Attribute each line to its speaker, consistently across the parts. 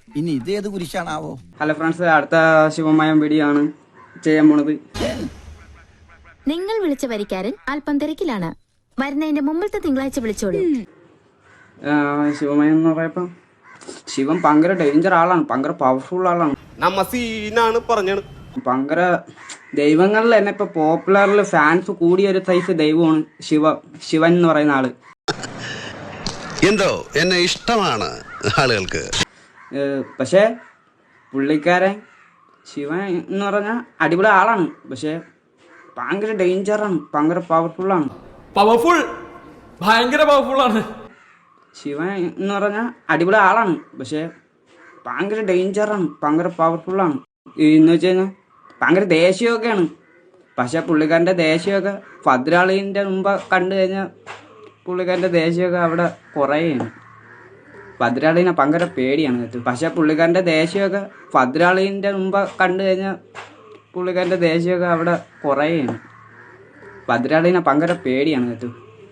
Speaker 1: ഇനി ഇത് ഏത് കുരിശാണാവോ?
Speaker 2: ഹലോ ഫ്രണ്ട്സ്, അടുത്ത ശിവമയം വീഡിയോ ആണ് ചെയ്യാൻ പോണത്.
Speaker 3: നിങ്ങൾ വിളിച്ച വരിക്കാരൻ അല്പം തിരക്കിലാണ്. വരുന്നതിന്റെ മുമ്പത്തെ തിങ്കളാഴ്ച വിളിച്ചോളൂ.
Speaker 2: ശിവമയം എന്ന് പറയപ്പോ ശിവൻ ഭയങ്കര ഡേഞ്ചർ ആളാണ്, ഭയങ്കര പവർഫുൾ ആളാണ്.
Speaker 4: നമ്മ സീനാണ് പറഞ്ഞത്.
Speaker 2: ഭയങ്കര ദൈവങ്ങളിൽ തന്നെ ഇപ്പൊ പോപ്പുലറിൽ ഫാൻസ് കൂടിയ ഒരു സൈസ് ദൈവമാണ് ശിവൻ എന്ന് പറയുന്ന ആള്.
Speaker 5: എന്തോ എന്നെ ഇഷ്ടമാണ് ആളുകൾക്ക്.
Speaker 2: പക്ഷെ പുള്ളിക്കാരൻ ശിവൻ എന്ന് പറഞ്ഞാൽ അടിപൊളി ആളാണ്, പക്ഷെ ഭയങ്കര ഡേഞ്ചറാണ്, ഭയങ്കര പവർഫുള്ളാണ്.
Speaker 6: ഭയങ്കര പവർഫുൾ ആണ്
Speaker 2: ശിവൻ എന്ന് പറഞ്ഞാൽ അടിപൊളി ആളാണ്, പക്ഷെ ഭയങ്കര ഡേഞ്ചറാണ്, ഭയങ്കര പവർഫുള്ളാണ്. എന്ന് വെച്ച് കഴിഞ്ഞാൽ ഭയങ്കര ദേഷ്യമൊക്കെയാണ്. പക്ഷെ പുള്ളിക്കാരൻ്റെ ദേഷ്യമൊക്കെ ഭദ്രാളീൻ്റെ മുമ്പ് കണ്ടു കഴിഞ്ഞാൽ പുള്ളിക്കാരൻ്റെ ദേഷ്യമൊക്കെ അവിടെ കുറയാണ്. ഭദ്രാളീനെ ഭയങ്കര പേടിയാണ് കേട്ടോ. പക്ഷെ പുള്ളിക്കാരൻ്റെ ദേഷ്യമൊക്കെ ഭദ്രാളീൻ്റെ മുമ്പ് കണ്ടു കഴിഞ്ഞാൽ പുള്ളിക്കാരൻ്റെ ദേഷ്യമൊക്കെ അവിടെ കുറയാണ്. ഭദ്രാളീനെ ഭയങ്കര പേടിയാണ് കേട്ടോ.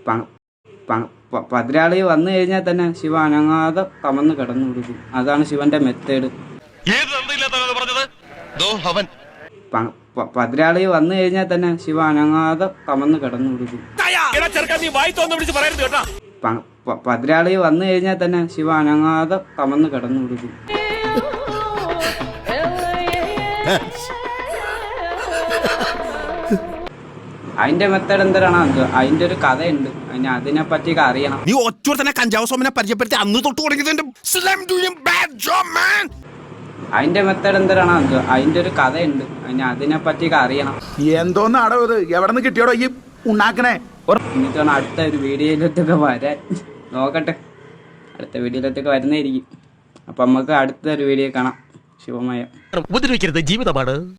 Speaker 2: ഭദ്രാളി വന്നു കഴിഞ്ഞാൽ തന്നെ ശിവ അനങ്ങാതെ കമന്ന് കിടന്നു കൊടുക്കും. അതാണ് ശിവന്റെ മെത്തേഡ്. ഭദ്രാളി വന്നു കഴിഞ്ഞാൽ തന്നെ ശിവ അനങ്ങാതെ കമന്ന് കിടന്നു കൊടുക്കും. ഭദ്രാളി വന്നു കഴിഞ്ഞാൽ തന്നെ ശിവ അനങ്ങാതെ കമന്ന് കിടന്നു കൊടുക്കും. അതിന്റെ മെത്തേഡ് എന്തിനാണ്? അതിന്റെ ഒരു കഥയുണ്ട്, അതിനെ പറ്റിയൊക്കെ അറിയണം.
Speaker 4: നീ ഒറ്റ തന്നെ കഞ്ചാവ് സോമനെ പരിചയപ്പെടുത്തി അന്ന് തൊട്ട് തുടങ്ങിയതിന്റെ
Speaker 2: അതിന്റെ മെത്തേഡ് എന്തിനാണ്? അതിന്റെ ഒരു കഥയുണ്ട്, അതിനെ പറ്റിയൊക്കെ അറിയണം.
Speaker 1: എന്തോന്നാടോ ഇത്? എവിടെ നിന്ന് കിട്ടിയോടോ ഈ ഉണ്ടാക്കണേ?
Speaker 2: എന്നിട്ടാണ് അടുത്ത ഒരു വീഡിയോയിലത്തൊക്കെ വരാൻ നോക്കട്ടെ. അടുത്ത വീഡിയോയിലത്തൊക്കെ വരുന്നതായിരിക്കും. അപ്പൊ നമുക്ക് അടുത്ത ഒരു വീഡിയോ കാണാം. ശിവമയം
Speaker 4: ഉപദ്രവിക്കരുത്, ജീവിതമാണ്.